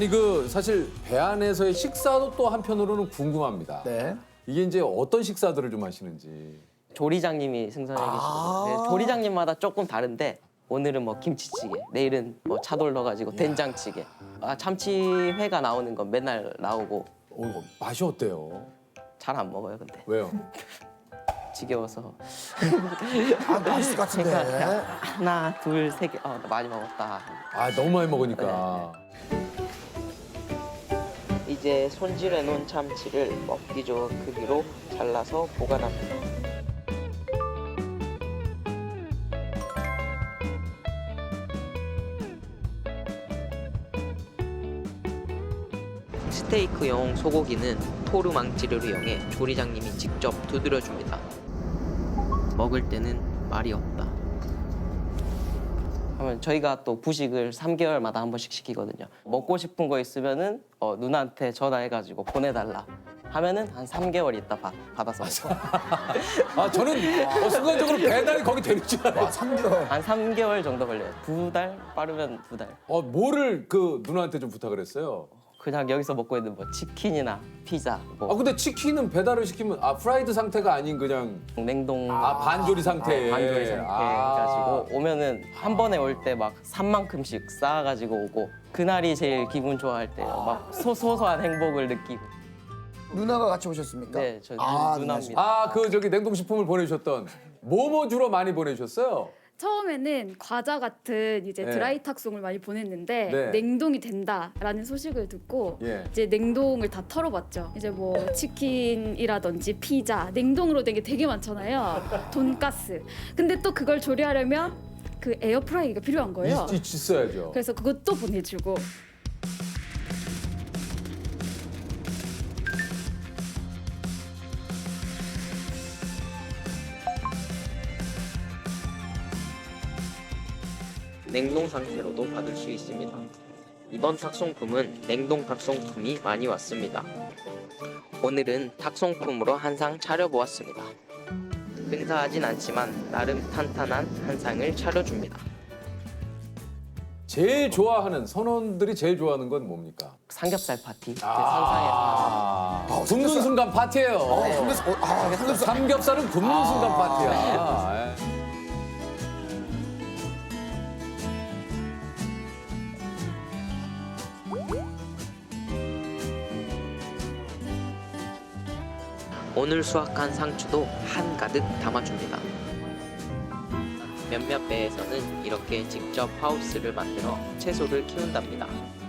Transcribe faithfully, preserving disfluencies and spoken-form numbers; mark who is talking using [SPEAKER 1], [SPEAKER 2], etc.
[SPEAKER 1] 아니 그 사실 배 안에서의 식사도 또 한편으로는 궁금합니다.
[SPEAKER 2] 네.
[SPEAKER 1] 이게 이제 어떤 식사들을 좀 하시는지.
[SPEAKER 3] 조리장님이 승선해 계시거든요. 네, 조리장님마다 조금 다른데 오늘은 뭐 김치찌개, 내일은 뭐 차돌 넣어가지고 된장찌개. 아, 참치회가 나오는 건 맨날 나오고
[SPEAKER 1] 어, 맛이 어때요?
[SPEAKER 3] 잘 안 먹어요, 근데.
[SPEAKER 1] 왜요?
[SPEAKER 3] 지겨워서.
[SPEAKER 2] 아, 맛있을 것 같은데.
[SPEAKER 3] 그러니까 하나, 둘, 세 개. 어, 나 많이 먹었다.
[SPEAKER 1] 아 너무 많이 먹으니까.
[SPEAKER 3] 이제 손질해 놓은 참치를 먹기 좋은 크기로 잘라서 보관합니다. 스테이크용 소고기는 토르 망치를 이용해 조리장님이 직접 두드려줍니다. 먹을 때는 말이 없다. 하면 저희가 또 부식을 삼 개월마다 한 번씩 시키거든요. 먹고 싶은 거 있으면은 어, 누나한테 전화해가지고 보내달라 하면은 한 삼 개월 있다 받, 받아서 먹고.
[SPEAKER 1] 아 저는 어, 순간적으로 배달이 거기 되는 줄 알아요.
[SPEAKER 2] 와, 삼 개월.
[SPEAKER 3] 한 삼 개월 정도 걸려요. 두 달? 빠르면 두 달.
[SPEAKER 1] 어 뭐를 그 누나한테 좀 부탁을 했어요?
[SPEAKER 3] 그냥 여기서 먹고 있는 뭐 치킨이나 피자, 뭐
[SPEAKER 1] 아 근데 치킨은 배달을 시키면 아 프라이드 상태가 아닌 그냥
[SPEAKER 3] 냉동
[SPEAKER 1] 아 반조리 상태.
[SPEAKER 3] 반조리 상태
[SPEAKER 1] 아.
[SPEAKER 3] 해가지고 오면은 한 번에 올 때 막 삼만큼씩 쌓아가지고 오고 그날이 제일 기분 좋아할 때요. 막 소, 소소한 행복을 느끼고.
[SPEAKER 2] 누나가 같이 오셨습니까?
[SPEAKER 3] 네, 저
[SPEAKER 2] 아,
[SPEAKER 3] 누나입니다.
[SPEAKER 1] 아 그 저기 냉동식품을 보내주셨던 뭐뭐 주로 많이 보내주셨어요?
[SPEAKER 4] 처음에는 과자 같은 이제
[SPEAKER 1] 네.
[SPEAKER 4] 드라이 탁송을 많이 보냈는데
[SPEAKER 1] 네.
[SPEAKER 4] 냉동이 된다라는 소식을 듣고
[SPEAKER 1] 예.
[SPEAKER 4] 이제 냉동을 다 털어봤죠. 이제 뭐 치킨이라든지 피자 냉동으로 된 게 되게 많잖아요. 돈가스. 근데 또 그걸 조리하려면 그 에어프라이기가 필요한 거예요.
[SPEAKER 1] 있, 있, 있어야죠.
[SPEAKER 4] 그래서 그것도 보내주고.
[SPEAKER 3] 냉동 상태로도 받을 수 있습니다. 이번 탁송품은 냉동 탁송품이 많이 왔습니다. 오늘은 탁송품으로 한 상 차려보았습니다. 근사하진 않지만 나름 탄탄한 한 상을 차려줍니다.
[SPEAKER 1] 제일 좋아하는 선원들이 제일 좋아하는 건 뭡니까?
[SPEAKER 3] 삼겹살 파티. 제 상상에서
[SPEAKER 1] 아,
[SPEAKER 2] 아,
[SPEAKER 1] 굽는
[SPEAKER 2] 삼겹살.
[SPEAKER 1] 순간 파티예요.
[SPEAKER 2] 어, 삼겹살. 어, 아, 삼겹살.
[SPEAKER 1] 삼겹살은 굽는 순간
[SPEAKER 2] 아.
[SPEAKER 1] 파티야. 예.
[SPEAKER 3] 오늘 수확한 상추도 한가득 담아줍니다. 몇몇 배에서는 이렇게 직접 하우스를 만들어 채소를 키운답니다.